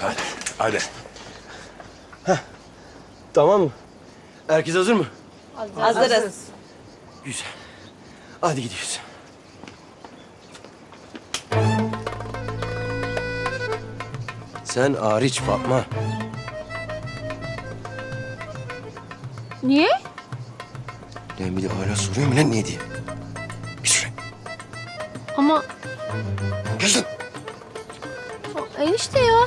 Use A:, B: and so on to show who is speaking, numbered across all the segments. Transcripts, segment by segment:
A: Hadi.
B: Tamam mı? Herkes hazır mı?
C: Hazırız.
B: Güzel. Hadi gidiyoruz. Sen hariç Fatma.
C: Niye?
B: Lan bir de hala soruyorum lan niye diye. Bir süre.
C: Ama
B: Geç lan.
C: enişte ya.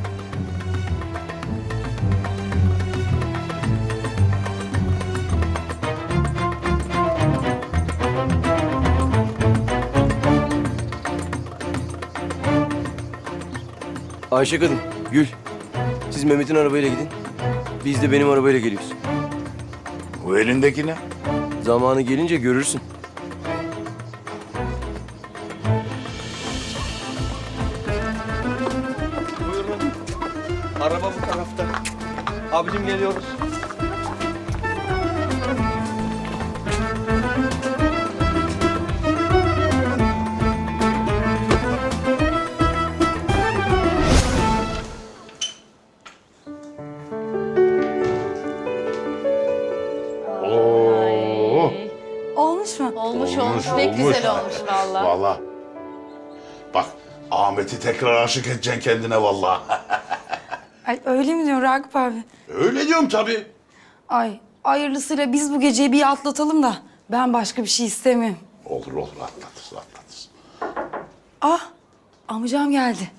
B: Ayşe kadın, Gül. Siz Mehmet'in arabayla gidin. Biz de benim arabayla geliyoruz.
A: Bu elindeki ne?
B: Zamanı gelince görürsün. Buyurun. Araba bu tarafta. Abicim geliyoruz.
A: Oo.
D: Olmuş mu?
C: Olmuş. Pek güzel olmuş vallahi.
A: Vallahi. Bak Ahmet'i tekrar aşık edeceksin kendine vallahi.
D: Ay, öyle mi diyorsun Ragıp abi?
A: Öyle diyorum tabii.
D: Ay hayırlısıyla biz bu geceyi bir atlatalım da ben başka bir şey istemiyorum.
A: Olur atlatırız.
D: Ah amcam geldi.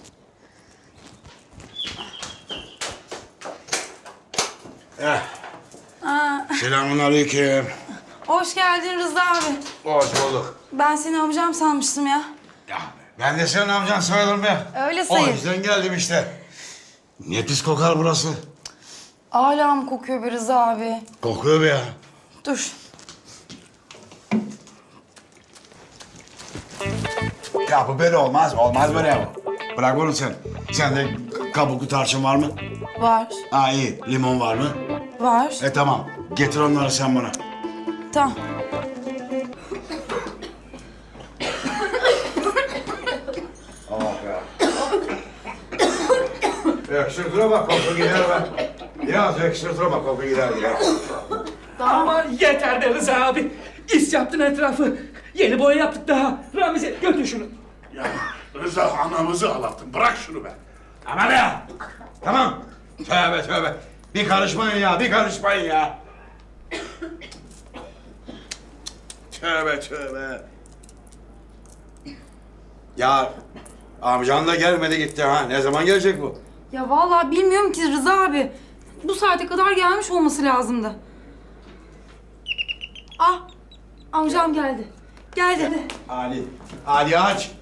A: Selamünaleyküm.
D: Hoş geldin Rıza abi.
A: Hoş bulduk.
D: Ben seni amcam sanmıştım ya.
E: Ya ben de senin amcan sayılırım ya.
D: Öyle
E: O
D: sayın.
E: yüzden geldim işte. Ne pis kokar burası.
D: Hala mı kokuyor be Rıza abi?
E: Kokuyor be ya.
D: Dur.
E: Ya bu böyle olmaz. Olmaz böyle ya. Bırak bunu sen. Sende kabuklu tarçın var mı?
D: Var.
E: Ha iyi. Limon var mı?
D: Var.
E: Tamam. Getir onları sen bana.
D: Tamam.
E: Öksürdüre bak koku gider be. Biraz öksürdüre bak koku gider ya.
F: Ama yeter be Rıza abi. İs yaptın etrafı. Yeni boya yaptık daha. Ramize götür şunu.
A: Ya Rıza anamızı ağlattın. Bırak şunu be.
E: Aman ya. Tamam. Tövbe. Bir karışmayın ya. Tövbe. Ya amcan da gelmedi gitti ha. Ne zaman gelecek bu?
D: Ya vallahi bilmiyorum ki Rıza abi. Bu saate kadar gelmiş olması lazımdı. Ah amcam geldi. Geldi.
E: Ali aç.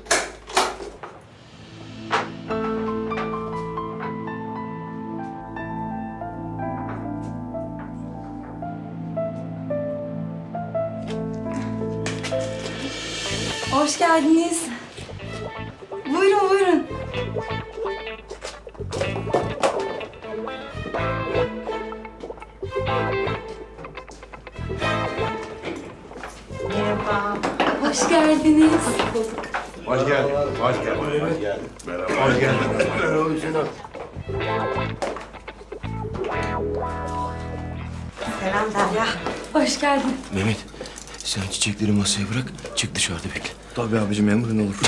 D: Hoş geldiniz. Buyurun. Hoş geldiniz.
E: Hoş geldin.
B: Merhaba Hüseyin abi.
C: Selam Derya.
D: Hoş geldin.
B: Mehmet, sen çiçekleri masaya bırak. Çık dışarıda bekle. Tabii abicim emrin olur.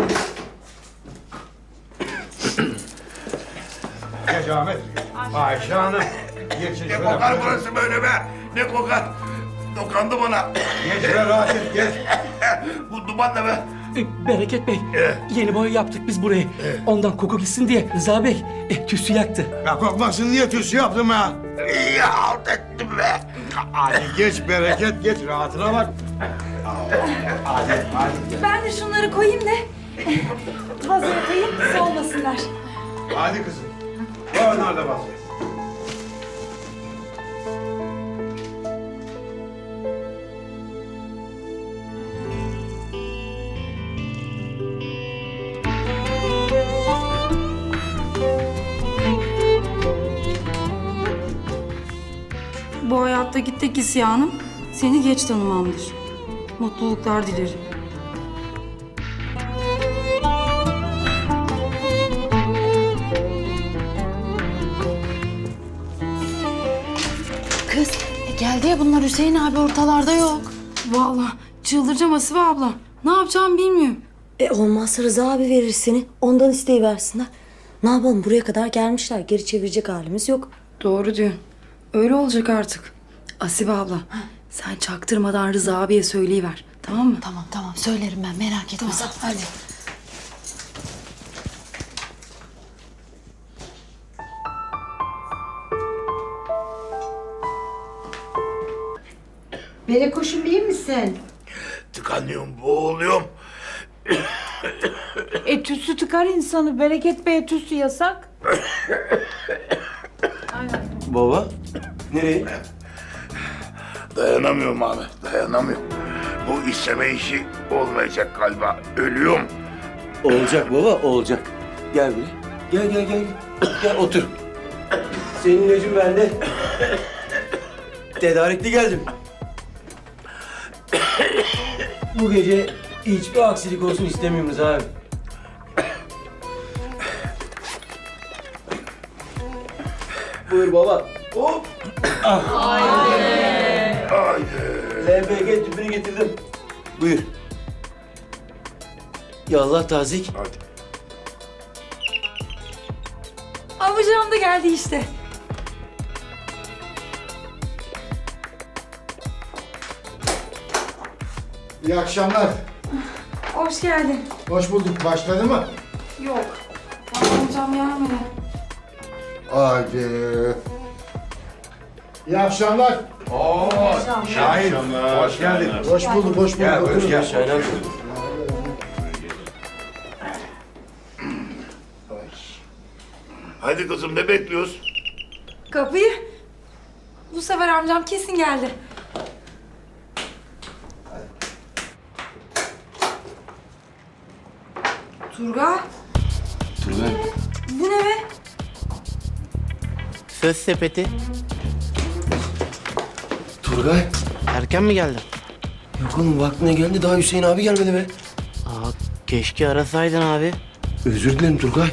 E: Geç Ahmet. Ayşe Hanım. Geç
A: Ne kokar burası böyle be? Ne kokar? Dokandı bana.
E: Geç şöyle rahat et geç.
A: Bu duman ne be?
F: Bereket Bey. Yeni boya yaptık biz burayı. Ondan koku gitsin diye Rıza Bey tüsü yaktı.
E: Ya kokmasın diye tüsü yaptım ya.
A: İyi halt ettim be.
E: Hadi geç bereket geç rahatına bak. Hadi.
D: Ben de şunları koyayım da vazoya koyayım soğumasınlar.
E: Hadi kızım. Onlar da basıyor.
D: Bu hayattaki tek isyanım seni geç tanımamdır. Mutluluklar dilerim. Nereye bunlar? Hüseyin abi ortalarda yok. Vallahi çıldıracağım Asibe abla. Ne yapacağımı bilmiyorum.
G: Olmazsa Rıza abi verir seni. Ondan isteyiversinler. Ne yapalım, buraya kadar gelmişler. Geri çevirecek halimiz yok.
D: Doğru diyorsun. Öyle olacak artık. Asibe abla sen çaktırmadan Rıza abiye söyleyiver. Tamam mı?
G: Tamam söylerim ben, merak etme sen.
D: Hadi.
H: Berekoşum iyi misin?
A: Tıkanıyorum, boğuluyorum.
H: Tüsü tıkar insanı. Bereket Bey'e tüsü yasak.
B: Baba, nereye?
A: Dayanamıyorum abi, dayanamıyorum. Bu isteme işi olmayacak galiba. Ölüyorum.
B: Olacak baba, olacak. Gel buraya. Gel. Gel otur. Senin ilacın bende. Tedarikli geldim. Bu gece hiçbir aksilik olsun istemiyorum Rıza abi. Buyur baba. Hop. LPG tüpünü getirdim. Buyur. Yallah tazik.
A: Hadi.
D: Abucağım da geldi işte.
I: İyi akşamlar.
D: Hoş geldin.
I: Hoş bulduk. Başladı mı?
D: Yok. Amcam gelmedi.
I: Hadi. İyi akşamlar.
E: Şahin, hoş geldin.
I: Hoş bulduk, hoş bulduk.
E: Gel, buyur,
I: Oturun.
E: gel.
B: Şaylan.
A: Hadi kızım, ne bekliyoruz?
D: Kapıyı. Bu sefer amcam kesin geldi. Turgay.
B: Turgay.
D: Bu ne be?
J: Söz sepeti.
B: Turgay.
J: Erken mi geldin?
B: Yok oğlum vaktine geldi daha Hüseyin abi gelmedi be.
J: Aa, keşke arasaydın abi.
B: Özür dilerim Turgay.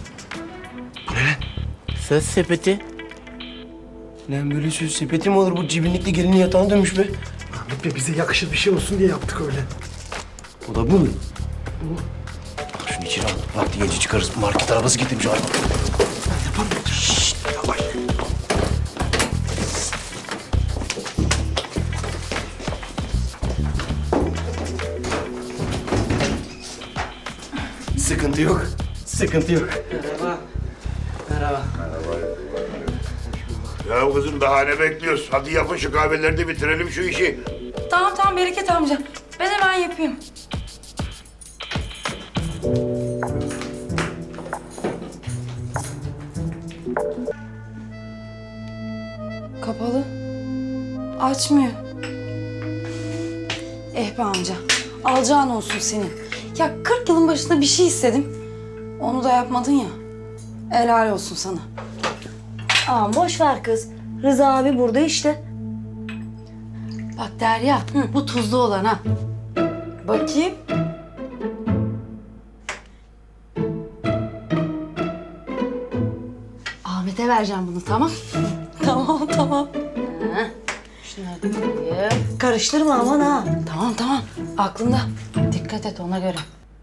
J: Söz sepeti.
B: Lan böyle söz sepeti mi olur, bu cibinlikli gelinin yatağına dönmüş be.
I: Ahmet Bey, bize yakışır bir şey olsun diye yaptık öyle.
B: O da bu mu? Al şunu içeri al. Vakti gelince çıkarız. Market arabası getirmiş abi. Şşşt yavaş. Sıkıntı yok. Sıkıntı yok.
J: Merhaba.
A: Ya kızım, daha ne bekliyoruz? Hadi yapın şu kahveleri de bitirelim şu işi.
D: Tamam Bereket amca. Ben hemen yapayım. Kapalı. Açmıyor. Be amca. Alacağın olsun senin. Ya 40 yılın başında bir şey istedim. Onu da yapmadın ya. Helal olsun sana.
G: Boş ver kız. Rıza abi burada işte.
C: Bak Derya, bu tuzlu olan ha.
D: Bakayım.
C: Ahmet'e vereceğim bunu, tamam?
D: Tamam.
C: Şunları da koyayım.
G: Karıştırma aman ha.
D: Tamam. Aklımda.
C: Dikkat et ona göre.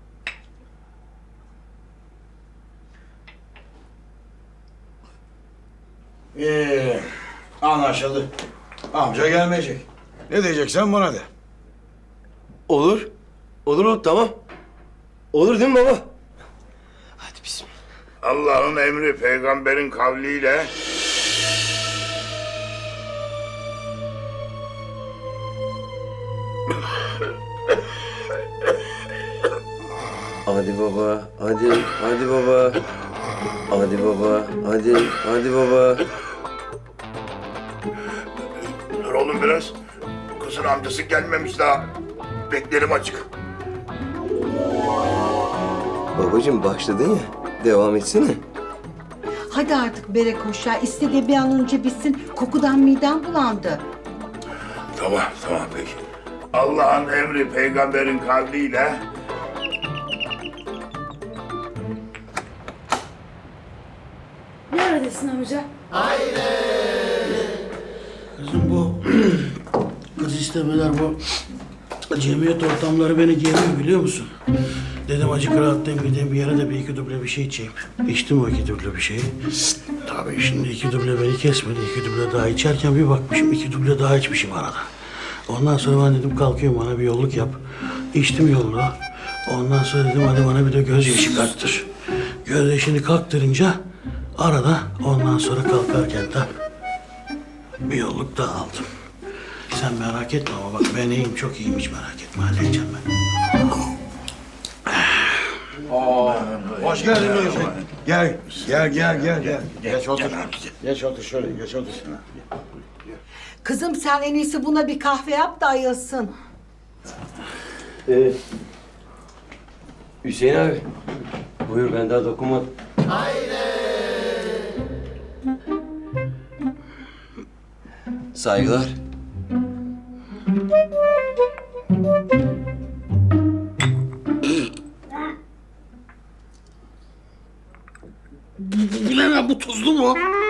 E: Anlaşıldı. Amca gelmeyecek. Ne diyeceksen bana de.
B: Olur. Olur tamam. Olur değil mi baba? Hadi bismillah.
A: Allah'ın emri, peygamberin kavliyle...
B: Hadi baba, hadi baba. Hadi baba, hadi baba.
A: Dur oğlum biraz. Kızın amcası gelmemiş daha. Beklerim açık.
B: Babacığım başladın ya, devam etsene.
H: Hadi artık Berekoş ya. İstediği bir an önce bitsin. Kokudan midem bulandı.
A: Tamam peki. Allah'ın emri, peygamberin kavliyle...
D: Neredesin amca?
E: Kızım bu
B: istemeler bu cemiyet ortamları beni geriyor biliyor musun? Dedim acık rahatlayayım gideyim bir yere de bir iki duble bir şey içeyim. İçtim o iki duble bir şeyi. Tabii şimdi iki duble beni kesmedi. İki duble daha içerken bir bakmışım iki duble daha içmişim arada. Ondan sonra ben dedim kalkıyorum bana bir yolluk yap. İçtim yolluğu. Ondan sonra dedim hadi bana bir de gözyaşı kattır. Gözyaşını kalktırınca arada ondan sonra kalkarken de bir yolluk daha aldım. Sen merak etme ama bak ben iyiyim çok iyiyim hiç merak etme halledeceğim ben.
E: Hoş geldin Hüseyin. Gel. Geç otur. Geç otur şöyle, geç otur.
H: Kızım sen en iyisi buna bir kahve yap da ayılsın.
K: Hüseyin abi. Buyur ben daha dokunmadım. Saygılar.
B: Bilemem bu tuzlu mu?